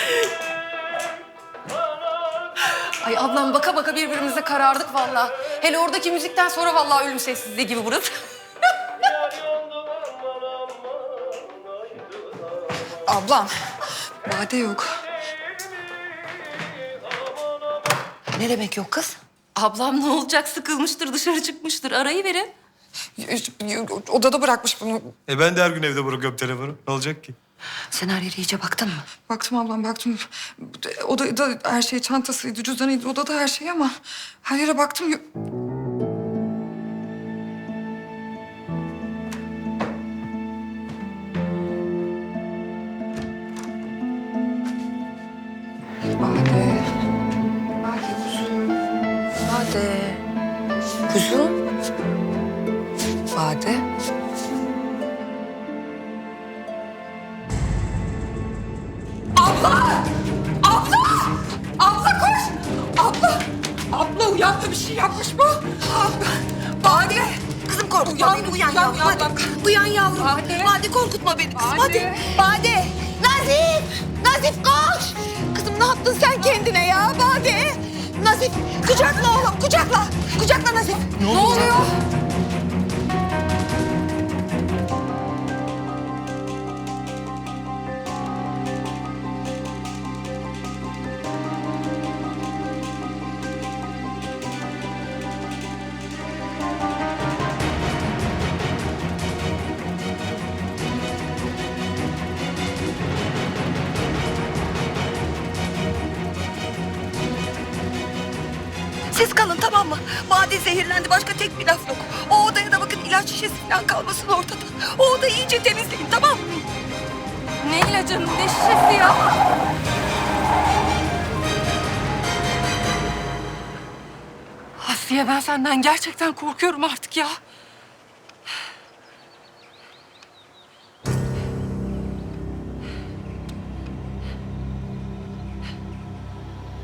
Ay ablam baka baka birbirimize karardık vallahi. Hele oradaki müzikten sonra vallahi ölüm sessizliği gibi burası. Ablam, Bade yok. Ne demek yok kız? Ablam ne olacak, sıkılmıştır, dışarı çıkmıştır. Arayı verin. Odada bırakmış bunu. Ben de her gün evde bırakıyorum telefonu. Ne olacak ki? Sen her yere iyice baktın mı? Baktım ablam, baktım. Odada her şey, çantasıydı, cüzdanıydı, odada her şey ama... ...her yere baktım. Bade. Bade kuzum. Bade. Kuzum. Bade. Abla koş! Abla uyandı, bir şey yapmış bu. Bade! Kızım korkutma beni. Uyan yavrum. Hadi. Uyan yavrum. Bade korkutma beni kızım. Hadi. Bade. Nazif. Nazif koş. Kızım ne yaptın sen kendine ya Bade? Nazif kucakla oğlum kucakla. Kucakla Nazif. Ne oluyor? Siz kalın tamam mı? Bade zehirlendi. Başka tek bir laf yok. O odaya da bakın ilaç şişesi falan kalmasın ortada. O odayı iyice temizleyin tamam mı? Ne ilacın, ne şişesi ya? Asiye ben senden gerçekten korkuyorum artık ya.